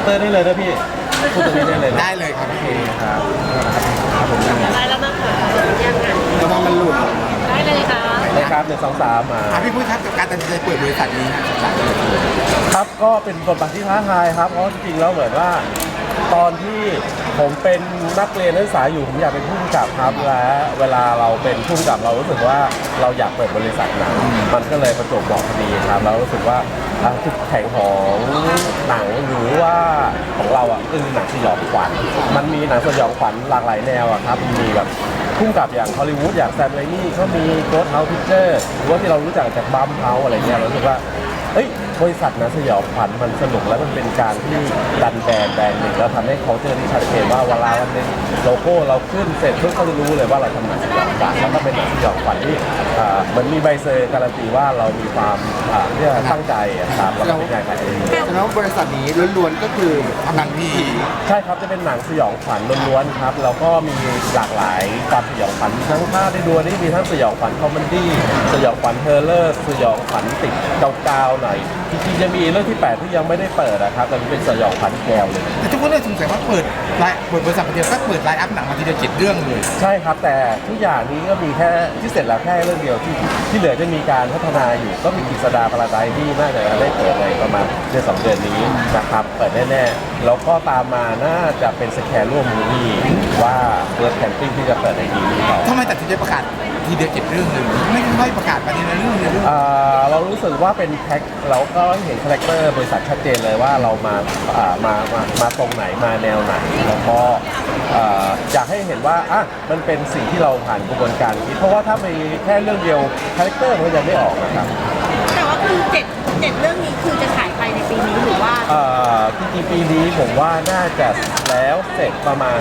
เตอร์ได้เลยนะพี่พูดตรงนี้ได้เลยนะได้เลยครับพี่ครับครับผมอะไรแล้วนะคะยังไงระวังมันหลุดได้เลยค่ะได้ครับ1 2 3มาพี่พูดครับกับการตัดสินใจเปิดบริษัทนี้ครับก็เป็นบทบาทที่ท้าทายครับเพราะจริงๆแล้วเหมือนว่าตอนที่ผมเป็นนักเรียนนักศึกษาอยู่ผมอยากเป็นผู้กำกับครับและเวลาเราเป็นผู้กำกับเรารู้สึกว่าเราอยากเปิดบริษัทหนังมันก็เลยประจวบเหมาะพอดีครับเรารู้สึกว่าจุดแข็งของหนังหรือว่าของเราอ่ะคือหนังสยองขวัญมันมีหนังสยองขวัญหลากหลายแนวอ่ะครับมีแบบพุ่งกับอย่างฮอลลีวูดอย่างแซมไรมี่เขามีโกสต์เฮาส์พิกเจอร์หรือว่าที่เรารู้จักจากบัมเฮาส์อะไรเงี้ยเรารู้สึกว่าบริษัทหนังสยองขวัญมันสนุกและมันเป็นการที่ดันแบรนด์หนึ่งแล้วทำให้เขาเจอที่ชัดเจนว่าเวลาวันหนึงโลโก้เราขึ้นเสร็จเพื่อเขาจะรู้เลยว่าเราทำหนังสยองขวัญแล้วก็เป็นหนังสยองขวัญที่เหมือนมีใบเซอร์การันตีว่าเรามีความเรียกตั้งใจครับเราเป็นงานขายเองแสดงว่าบริษัทนี้ล้วนๆก็คือหนังผีใช่ครับจะเป็นหนังสยองขวัญล้วนๆครับแล้วก็มีหลากหลายความสยองขวัญทั้งภาพได้ดูนี่มีทั้งสยองขวัญคอมเมดี้สยองขวัญเฮอร์เลอร์สยองขวัญติดกาวๆหน่อยจริงๆจะมีเรื่องที่ 8ที่ยังไม่ได้เปิดนะครับแต่มันเป็นสยองขวัญแก้วเลยแต่ทุกคนเลยสงสัยว่าเปิดบริษัทเดียวก็เปิดไลน์อัพหนังมาทีเดียว7 เรื่องเลยใช่ครับแต่ทุกอย่างนี้ก็มีแค่ที่เสร็จแล้วแค่เรื่องเดียวที่เหลือจะมีการพัฒนาอยู่ก็มีกฤษดาพาราไดซ์ที่น่าจะได้เปิดในประมาณเดือน2 เดือนนี้นะครับเปิดแน่ๆแล้วก็ตามมาน่าจะเป็นสแคร์ร่วมมูวี่ว่าเบิร์ดแคมปิ้งที่จะเปิดในปีนี้ต่อทำไมตัดสินใจประกาศทีเดียว7 เรื่องเลยไม่ค่อยประกาศมาทีละเรื่องเลยเรารู้สึกว่าเป็นแพ็คเราก็เห็นคาแรคเตอร์บริษัทชัดเจนเลยว่าเรามาตรงไหนมาแนวไหนแล้วก็อยากให้เห็นว่ามันเป็นสิ่งที่เราผ่านกระบวนการคิดเพราะว่าถ้ามีแค่เรื่องเดียวคาแรคเตอร์มันยังไม่ออกนะครับแต่ว่าคือเจ็ดเรื่องนี้คือจะฉายไปในปีนี้หรือว่าจริงๆปีนี้ผมว่าน่าจะแล้วเสร็จประมาณ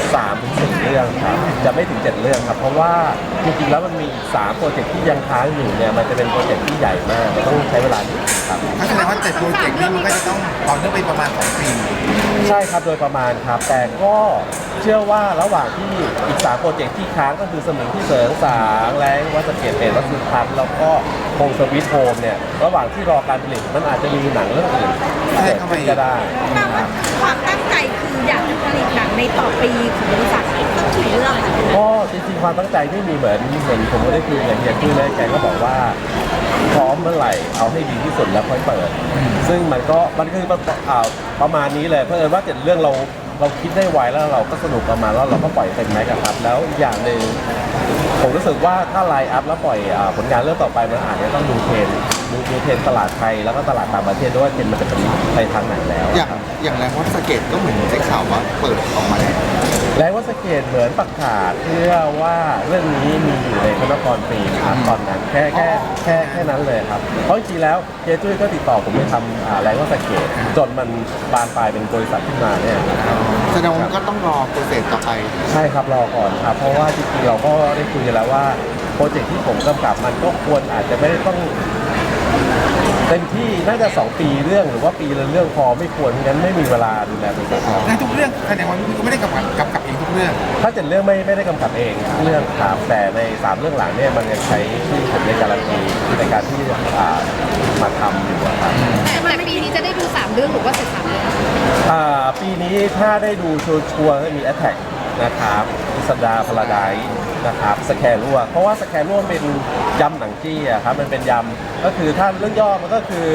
3-4 เรื่องครับจะไม่ถึง7 เรื่องครับเพราะว่าจริงๆแล้วมันมีอีก3 โปรเจกต์ที่ยังค้างอยู่เนี่ยมันจะเป็นโปรเจกต์ที่ใหญ่มากมันต้องใช้เวลานิดนึงครับก็แสดงว่า7 โปรเจกต์นี้มันก็จะต้องต่อเนื่องไปประมาณ2 ปีใช่ครับโดยประมาณครับแต่ก็เชื่อว่าระหว่างที่อีก3 โปรเจกต์ที่ค้างก็คือสมิงที่เสริงสางแรงวัดสะเก็ดเอ็ดวัดสุทัศน์แล้วก็โฮมสวิตโฮมเนี่ยระหว่างที่รอการผลิตมันอาจจะมีหนังเรื่องอื่นเกิดขึ้นก็ได้แปลว่าความตั้งใจคืออยากจะผลิตหนังในต่อปีของบริษัทต้องกี่เรื่องค่ะก็จริงๆความตั้งใจไม่มีเหมือนผมก็ได้คุยกับเฮียคุยแล้วแกก็บอกว่าพร้อมเมื่อไหร่เอาให้ดีที่สุดแล้วค่อยเปิดซึ่งมันคือประมาณนี้เลยเพราะว่า7 เรื่องเราคิดได้ไวแล้วเราก็สนุกประมาณแล้วเราก็ปล่อยเต็มแม็กซ์ครับแล้วอีกอย่างหนึ่งผมรู้สึกว่าถ้าไลน์อัพแล้วปล่อยผลงานเรื่องต่อไปมันอาจจะต้องดูเทรนตลาดไทยแล้วก็ตลาดต่างประเทศด้วยเทรนมันจะเป็นไปทางไหนแล้วอย่างแรงวัดสะเก็ดก็เหมือนได้ข่าวว่าเปิดออกมาแล้วแล้วว่าสเกตเหมือนประกาศเพื่อว่าเรื่องนี้มีอยู่ในพระนครฟิล์มครับตอนนั้นแค่นั้นเลยครับเพราะจริงๆแล้วเจจุ้ยก็ติดต่อผมไปทำแรงว่าสเกตจนมันบานปลายเป็นบริษัทขึ้นมาเนี่ยแสดงว่าก็ต้องรอโปรเซสต่อไปใช่ครับรอก่อนครับเพราะว่าจริงๆเราก็ได้คุยกันแล้วว่าโปรเจกต์ที่ผมกำกับมันก็ควรอาจจะไม่ได้ต้องเต็มที่น่าจะ2 ปีเรื่องหรือว่าปีละเรื่องพอไม่ควรงั้นไม่มีเวลาดูแลบริษัทในทุกเรื่องแสดงว่าพี่ก็ไม่ได้กำกับเองทุกเรื่องถ้า7 เรื่องไม่ได้กำกับเองเรื่องครับแต่ใน3 เรื่องหลังเนี่ยมันยังใช้ชื่อผมในการันตีในการที่มาทำอยู่อะครับแต่ปีนี้จะได้ดู3 เรื่องหรือว่าเสร็จ3 เรื่องปีนี้ถ้าได้ดูชัวร์ๆก็มี Attack นะครับพิสดาพาราไดซ์นะครับสแคร์รั่วเพราะว่าสแคร์รั่วเป็นยำหนังจี้อะครับมันเป็นยำก็คือถ้าเรื่องย่อมันก็คือ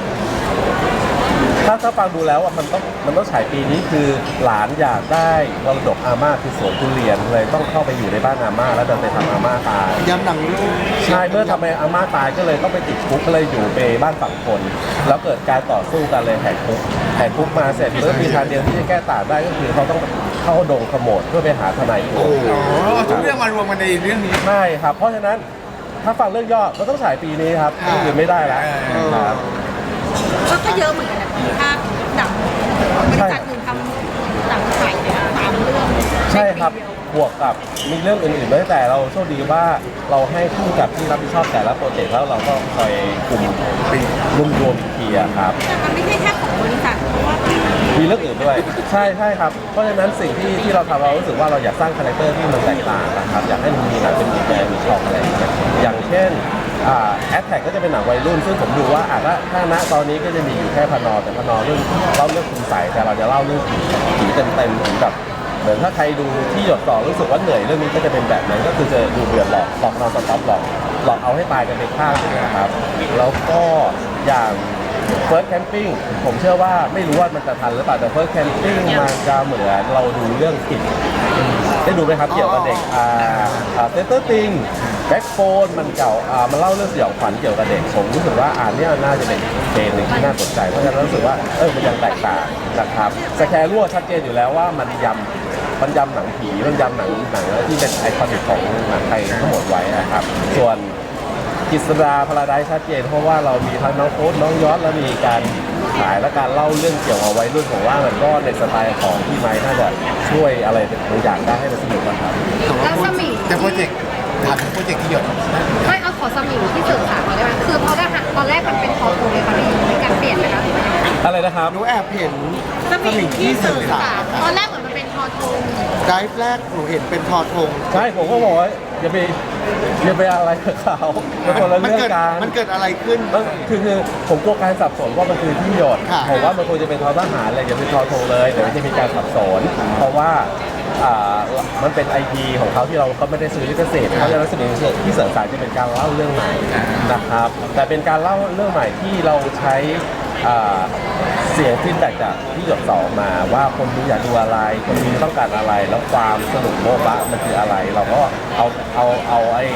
ถ้าฟังดูแล้วมันต้องฉายปีนี้คือหลานอยากได้มรดกอาม่าคือสวนทุเรียนเลยต้องเข้าไปอยู่ในบ้านอาม่าแล้วดันไปทำอาม่าตายย้ำหนังลูกใช่เมื่อทำให้อาม่าตายก็เลยต้องไปติดคุกก็เลยอยู่ไปบ้านฝั่งคน แล้วเกิดการต่อสู้กันเลยแหกคุกมาเสร็จเมื่อมีทางเดียวที่จะแก้ต่างได้ก็คือเขาต้องเข้าดงขโมดเพื่อไปหาทนายโจทย์ทุกเรื่องมารวมกันในเรื่องนี้ไม่ครับเพราะฉะนั้นถ้าฟังเรื่องย่อก็ต้องฉายปีนี้ครับเรื่องอื่นไม่ได้แล้วครับก็เยอะเหมือนกันนะพี่ถ้าหนังบริษัทหนึ่งทำหนังฉาย3 เรื่องใช่ครับบวกกับมีเรื่องอื่นๆด้วยแต่เราโชคดีว่าเราให้ผู้กับที่รับผิดชอบแต่ละโปรเจกต์แล้วเราก็คอยกลุ่มรวมอีกทีอะครับแต่มันไม่ใช่แค่ของบริษัทเพราะว่ามีเรื่องอื่นด้วยใช่ครับเพราะฉะนั้นสิ่งที่เราทำเรารู้สึกว่าเราอยากสร้างคาแรคเตอร์ที่มันแตกต่างนะครับอยากให้มันมีหนังเป็นมีแบรนด์มีช่องอะไรอย่างเงี้ยอย่างเช่นแอดแท็กก็จะเป็นหนังวัยรุ่นซึ่งผมดูว่าถ้าณตอนนี้ก็จะมีอยู่แค่พนอแต่พนอเรื่องเล่าเรื่องคุณใสแต่เราจะเล่าเรื่องผีเต็มๆถึงแบบเหมือนถ้าใครดูที่หยดต่อรู้สึกว่าเหนื่อยเรื่องนี้ก็จะเป็นแบบนั้นก็คือจะดูเดือดหลอกนอนสต็อปหลอกเอาให้ตายกันไปข้างหนึงนะครับแล้วก็อย่าง First Camping ผมเชื่อว่าไม่รู้ว่ามันจะทันหรือเปล่าแต่ First Camping มันจะเหมือนเราดูเรื่องผิดได้ดูไหมครับเกี่ยวกับเด็กเซนเตอร์ติงแบ็คโฟนมันเก่ามันเล่าเรื่องสยองขวัญเกี่ยวกับเด็กผมรู้สึกว่าเนี่ยน่าจะเป็นเกณฑ์หนึ่งที่น่าสนใจเพราะฉะนั้นรู้สึกว่ามันยังแตกต่างนะครับสแคร์รั่วชัดเจนอยู่แล้วว่ามันยำหนังผีมันยำหนังที่เป็นไอคอนิกของหนังไทยทั้งหมดไว้นะครับส่วนกิษดาพาราไดซ์ชัดเจนเพราะว่าเรามีทั้งน้องโค้ดน้องยอดแล้วมีการขายและการเล่าเรื่องเกี่ยวกับวัยรุ่นผมว่ามันก็ในสไตล์ของพี่ไม้น่าจะช่วยอะไรบางอย่างได้ให้มันสนุกนะครับแล้วสมิงแต่โปรเจกต์ถามถึงโปรเจกต์ที่หยดไม่เอาขอสมิงที่สื่อสารมาได้ไหมคือเพราะว่าตอนแรกมันเป็นทอทูเลยค่ะพี่มีการเปลี่ยนไหมคะอะไรนะครับหนูแอบเห็นสมิงที่สื่อสารตอนแรกเหมือนมันเป็นทอทูไดฟ์แรกหนูเห็นเป็นทอทงใช่ผมก็บอกว่าอย่าไปอะไรกับเขาเป็นคนละเรื่องกันมันเกิดอะไรขึ้นคือผมกลัวการสับสนว่ามันคือที่หยดค่ะผมว่ามันควรจะเป็นทอทหารเลยอย่าเป็นทอทงเลยเดี๋ยวมันจะมีการสับสนเพราะว่ามันเป็น IP ของเขาที่เราก็ไม่ได้ซื้อลิขสิทธิ์เพราะฉะนั้นสิ่งที่เสริมสารจะเป็นการเล่าเรื่องใหม่นะครับแต่เป็นการเล่าเรื่องใหม่ที่เราใช้เสียงฟีดแบ็กจากที่หยดสองมาว่าคนดูอยากดูอะไรคนดูต้องการอะไรแล้วความสนุกโบ๊ะบะมันคืออะไรเราก็เอาไอ้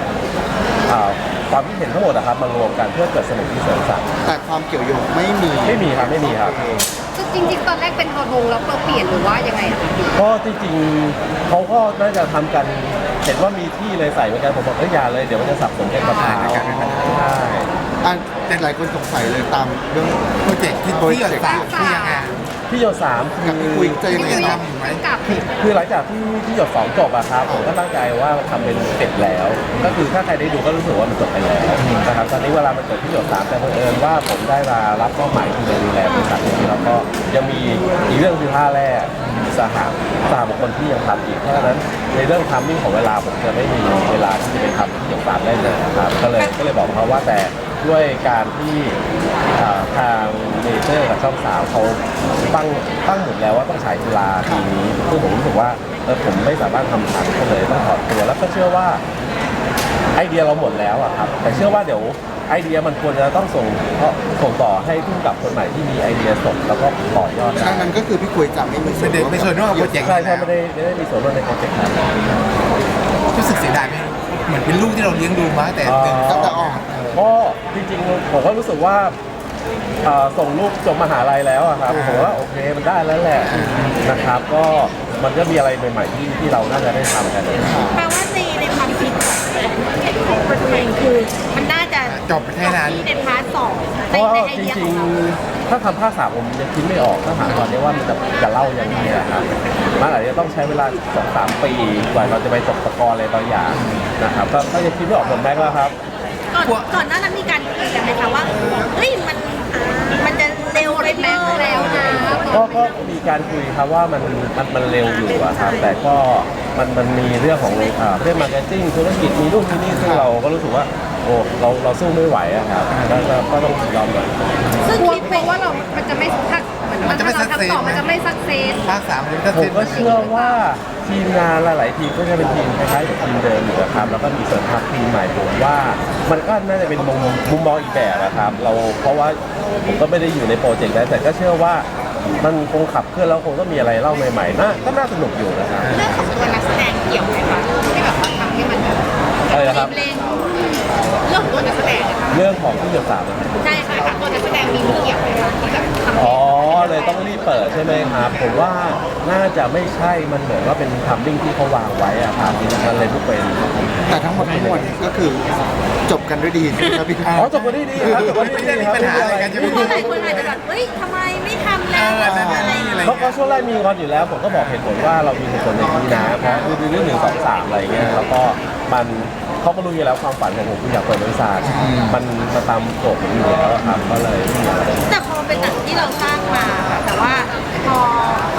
ความคิดเห็นทั้งหมดนะครับมารวมกันเพื่อเกิดสนุกที่เสริมสรรค์แต่ความเกี่ยวโยงไม่มีไม่มีครับคือจริงๆ ตอนแรกเป็นทอทงแล้วเราเปลี่ยนหรือว่ายังไงอะคะพี่ก็จริงๆเขาก็น่าจะทำกันเห็นว่ามีที่เลยใส่เหมือนกันผมบอกอย่าเลยเดี๋ยวมันจะสับสนกันกับเท้าใช่แต่หลายคนสงสัยเลยตามเรื่องโปรเจกต์ที่หยดสามที่ยังไงพี่หยดสามกับพี่คุยจะยังไงที่ครับทำอยู่ไหมกับคือหลังจากที่หยดสองจบอะครับผมก็ตั้งใจว่าทำเป็นเสร็จแล้ว ก็คือถ้าใครได้ดูก็รู้สึกว่ามันจบไปแล้วนะครับตอนนี้เวลามันเกิดที่หยดสามแต่บังเอิญว่าผมได้มารับมอบหมายที่ดูแลบริษัทนี้แล้วก็ยังมีอีกเรื่องคือท่าแรกสหบุคคลที่ยังทำอีกเพราะฉะนั้นในเรื่องทัมมิ่งของเวลาผมจะไม่มีเวลาที่จะไปทำที่หยดสามได้เลยนะครับก็เลยบอกเขาว่าแต่ด้วยการที่ทางเมเจอร์กับช่องสาวเขาตั้งหมดแล้วว่าต้องฉายกีฬาปีนี้ซึ่งผมรู้สึกว่าผมไม่สามารถทำทันก็เลยต้องถอดตัวแล้วก็เชื่อว่าไอเดียเราหมดแล้วอะครับแต่เชื่อว่าเดี๋ยวไอเดียมันควรจะต้องส่งต่อให้ผู้กำกับคนใหม่ที่มีไอเดียสดแล้วก็ต่อยอดได้ดังนั้นก็คือพี่คุยจะไม่มีส่วนร่วมไม่ส่วนร่วมกับโปรเจกต์ใช่ไม่ได้มีส่วนร่วมในโปรเจกต์นั้นรู้สึกเสียดายไหมเหมือนเป็นลูกที่เราเลี้ยงดูมาแต่เด็กตั้งแต่ออกก็จริงๆผมก็รู้สึกว่าส่งลูกจบมหาลัยแล้วอะครับผมว่าโอเคมันได้แล้วแหละนะครับก็มันก็มีอะไรใหม่ๆที่เราน่าจะได้ทำกันแปลว่าในความคิดของตัวเองคือมันน่าจะจบแค่นั้นที่ในพาร์ทสองเพในราะว่าไอจเดียขริอง งเราๆถ้าทำภาคสามผมยังคิดไม่ออกถ้าถามตอนนี้ว่ามันจะเล่ายังไงอะครับมันอาจจะต้องใช้เวลา 2-3 ปีกว่าเราจะไปตกตะกอนอะไรบางอย่างนะครับก็ยังคิดไม่ออกเหมือนแม็กซ์แล้วครับก่อนหน้านั้นมีการคุยกันไหมคะว่าเฮ้ยมันจะเร็วไปแม็กซ์แล้วนะก็มีการคุยครับว่ามันเร็วอยู่อะครับแต่ก็มันมีเรื่องของเรื่องมาร์เก็ตติ้งธุรกิจมีนู่นมีนี่ซึ่งเราก็รู้สึกว่าโอ้เราสู้ไม่ไหวอะครับก็ต้องยอมหน่อยซึ่งคิดไปว่ามันจะไม่ถ้ามันจะไม่ทำต่อมันจะไม่สักเซสภาคสามมันก็ผเสร็มจก็เชื่อว่าทีมงานหลายๆทีมก็จะเป็นทีมคล้ายๆกับทีมเดิมอยู่อะครับแล้วก็มีเสริมทัพทีมใหม่ผมว่ามันก็น่าจะเป็นมุมมองอีกแบบอะครับเพราะว่าผมก็ไม่ได้อยู่ในโปรเจกต์นั้นแต่ก็เชื่อว่ามันคงขับเคลื่อนแล้วคงต้องมีอะไรเล่าใหม่ๆก็น่าสนุกอยู่นะครับเรื่องของตัวนักแสดงเกี่ยวไหมคะที่แบบว่าทำให้มันแบบอะไรนะครับเร่งเรื่องของตัวนักแสดงอะค่ะเรื่องของที่หยดสามนะครับใช่ค่ะตัวนักแสดงมีเกี่ยวไหมคะที่แบบทำให้อ๋อเลยต้องรีบเปิดใช่ไหมครับผมว่าน่าจะไม่ใช่มันเหมือนว่าเป็นทัมมิ่งที่เขาวางไว้อะครับมันเลยทุกเป็นแต่ทั้งหมดทั้งมวลก็คือจบกันด้วยดีใช่ไหมครับพี่อ๋อจบกันได้ดีครับจบกันได้ดีครับไม่ได้มีปัญหาอะไรกันใช่ไหมเพราะหลายคนอาจจะแบบเฮ้ยทำไมไม่ทำแล้วอะไรอย่างเงี้ยเพราะช่วงแรกมีงอนอยู่แล้วผมก็บอกเหตุผลว่าเรามีเหตุผลอย่างนี้นะเพราะคือเรื่อง1 2 3อะไรเงี้ยแล้วก็มันเขาก็รู้อยู่แล้วความฝันของผมคืออยากเปิดบริษัทมันมาตามโจทย์ผมอยู่แล้วครับก็เลยไม่มีอะไรแต่พอเป็นหนังที่เราสร้างมาค่ะแต่ว่าพอมันต้องเดิ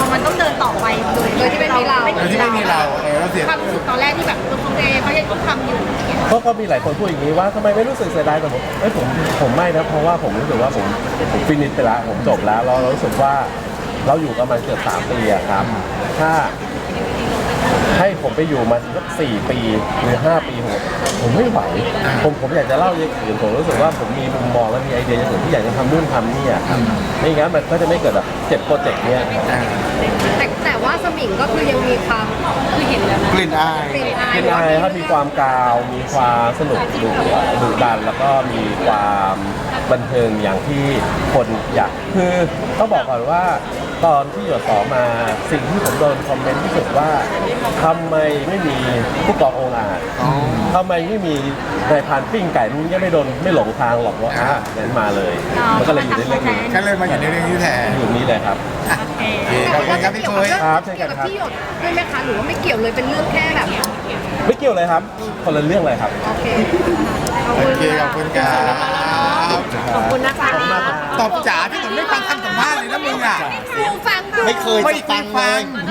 ดินต่อไปโดยที่ไม่มีเราโดยที่ไม่มีเราเราเสียความรู้สึกตอนแรกที่แบบโอเคเขายังต้องทำอยู่ก็มีหลายคนพูดอย่างนี้ว่าทำไมไม่รู้สึกเสียดายแต่ผมไม่นะเพราะว่าผมรู้สึกว่าผมฟินิชไปแล้วผมจบแล้วเรารู้สึกว่าเราอยู่กันมาเกือบ3 ปีอะครับถ้าให้ผมไปอยู่มาสัก4 ปีหรือ5 ปีผมไม่ไหวผมอยากจะเล่าอย่างอื่นผมรู้สึกว่าผมมีมุมมองและมีไอเดียอย่างอื่นที่อยากจะทำนู่นทำนี่อะครับไม่งั้นมันก็จะไม่เกิดแบบ7 โปรเจกต์เนี้ยแต่ว่าสมิงก็คือยังมีความคือเห็นแล้วนะกลิ่นอายเป็นอายเป็นไงครับมีความกาวมีความสนุกดุดันแล้วก็มีความบันเทิงอย่างที่คนอยากคือต้องบอกก่อนว่าตอนที่หยดต่อมาสิ่งที่ผมโดนคอมเมนต์ที่สุดว่าทำไมไม่มีผู้กององอาจทำไมไม่มีนายพรานปิ้งไก่มึงยังไม่หลงทางหรอกว่างั้นมาเลย มันก็เลยอยู่ในเรื่องนี้ก็เลยมาอยู่ในเรื่องนี้แทนอยู่นี้เลยครับโอเคขอบคุณครับพี่คุยครับเช่นกันครับที่หยดด้วยไหมคะหรือว่าไม่เกี่ยวเลยเป็นเรื่องแค่แบบไม่เกี่ยวเลยครับคนละเรื่องเลยครับโอเคโอเคขอบคุณครับขอบคุณนะคะตอบจ๋าพี่หนุ่มไม่ฟังคำสัมภาษณ์เลยนะมึงอ่ะครูฟังไม่เคยไม่จะฟัฟังงฟัเลงย